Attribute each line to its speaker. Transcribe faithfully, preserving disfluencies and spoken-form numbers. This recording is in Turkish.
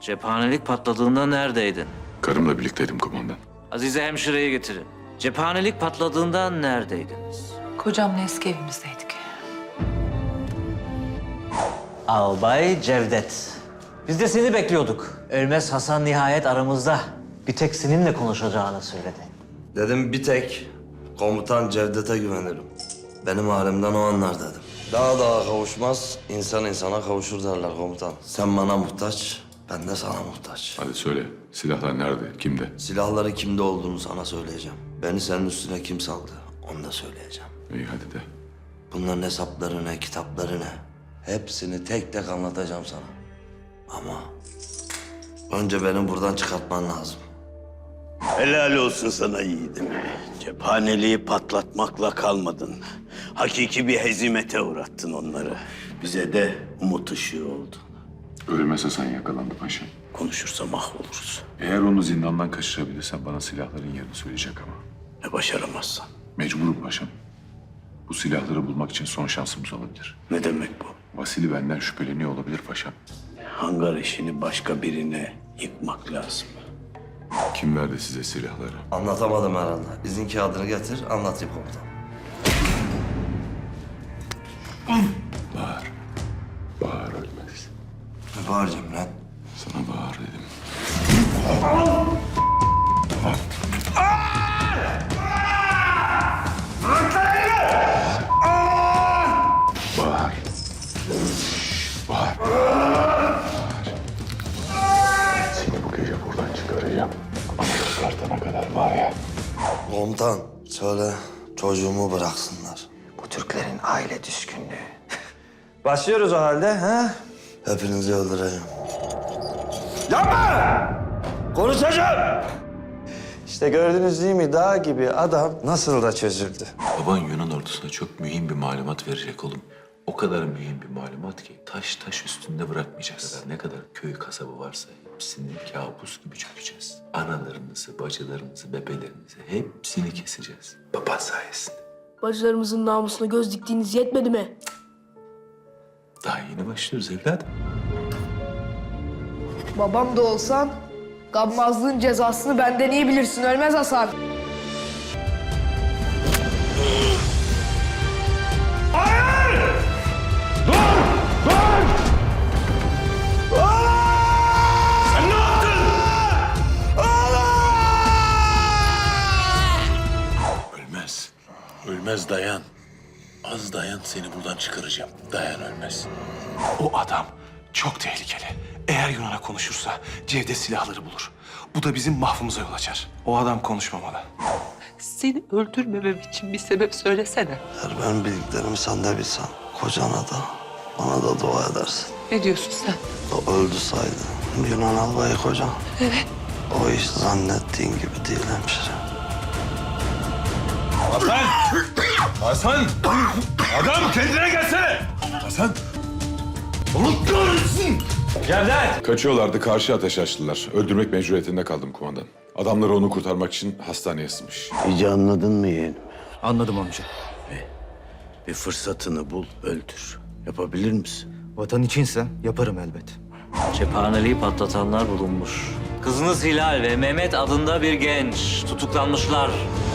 Speaker 1: Cephanelik patladığında neredeydin?
Speaker 2: Karımla birlikteydim kumandan.
Speaker 1: Azize hemşireyi getirin. Cephanelik patladığında neredeydiniz?
Speaker 3: Kocamla eski evimizdeydik.
Speaker 1: Albay Cevdet. Biz de seni bekliyorduk. Ölmez Hasan nihayet aramızda. Bir tek seninle konuşacağını söyledi.
Speaker 4: Dedim bir tek komutan Cevdet'e güvenirim. Benim halimden o anlar dedim. Daha daha kavuşmaz, insan insana kavuşur derler komutan. Sen bana muhtaç, ben de sana muhtaç.
Speaker 2: Hadi söyle, silahlar nerede, kimde?
Speaker 4: Silahları kimde olduğunu sana söyleyeceğim. Beni senin üstüne kim saldı, onu da söyleyeceğim.
Speaker 2: İyi hadi de.
Speaker 4: Bunların hesapları ne, kitapları ne? Hepsini tek tek anlatacağım sana. Ama önce beni buradan çıkartman lazım.
Speaker 5: Helal olsun sana yiğidim. Cephaneliği patlatmakla kalmadın. Hakiki bir hezimete uğrattın onları. Bize de umut ışığı oldun.
Speaker 2: Ölmez Hasan yakalandı paşam.
Speaker 5: Konuşursa mahvoluruz.
Speaker 2: Eğer onu zindandan kaçırabilirsen bana silahların yerini söyleyecek ama.
Speaker 5: Ne başaramazsan.
Speaker 2: Mecburum paşam. Bu silahları bulmak için son şansımız olabilir.
Speaker 5: Ne demek bu?
Speaker 2: Vasili benden şüpheleniyor olabilir paşam.
Speaker 5: Hangar işini başka birine yıkmak lazım.
Speaker 2: Kim verdi size silahları?
Speaker 4: Anlatamadım herhalde. İzin kağıdını getir, anlatayım komutan.
Speaker 2: Bağır. Bağır ölmez.
Speaker 4: Ne bağıracağım lan?
Speaker 2: Sana bağır dedim. Bağır. Bağır. Seni bu gece buradan çıkaracağım. Ama çıkartana kadar var ya.
Speaker 4: Komutan, söyle çocuğumu bıraksınlar.
Speaker 6: Bu Türklerin aile düşkünlüğü. Başlıyoruz o halde, ha?
Speaker 4: Hepinizi öldüreceğim.
Speaker 6: Konuşacağım! İşte gördünüz değil mi dağ gibi adam nasıl da çözüldü.
Speaker 7: Baban Yunan ordusuna çok mühim bir malumat verecek oğlum. O kadar mühim bir malumat ki taş taş üstünde bırakmayacağız. Ne kadar köy kasabı varsa hepsini kabus gibi çökeceğiz. Analarınızı, bacılarınızı, bebelerinizi hepsini keseceğiz. Baban sayesinde.
Speaker 8: Bacılarımızın namusuna göz diktiğiniz yetmedi mi?
Speaker 7: Daha yeni başlıyoruz evladım.
Speaker 8: Babam da olsan gammazlığın cezasını benden iyi bilirsin Ölmez Hasan.
Speaker 5: Ölmez. Ölmez dayan. Az dayan, seni buradan çıkaracağım. Dayan Ölmez.
Speaker 9: O adam çok tehlikeli. Eğer Yunan'a konuşursa Cevdet silahları bulur. Bu da bizim mahvımıza yol açar. O adam konuşmamalı.
Speaker 3: Seni öldürmemem için bir sebep söylesene.
Speaker 4: Eğer ben bildiklerimi sen de bilsen, kocana da, bana da dua edersin.
Speaker 3: Ne diyorsun sen?
Speaker 4: O öldü saydı. Yunan albayı kocan.
Speaker 3: Evet.
Speaker 4: O iş zannettiğin gibi değil hemşire.
Speaker 9: Hasan! Adam kendine gelsene! Hasan!
Speaker 2: Kaçıyorlardı, karşı ateş açtılar. Öldürmek mecburiyetinde kaldım kumandan. Adamları onu kurtarmak için hastaneye sığmış.
Speaker 5: İyice anladın mı yeğenim?
Speaker 10: Anladım amca.
Speaker 5: Bir fırsatını bul, öldür. Yapabilir misin?
Speaker 10: Vatan içinse yaparım elbet.
Speaker 1: Cephaneliği patlatanlar bulunmuş. Kızınız Hilal ve Mehmet adında bir genç tutuklanmışlar.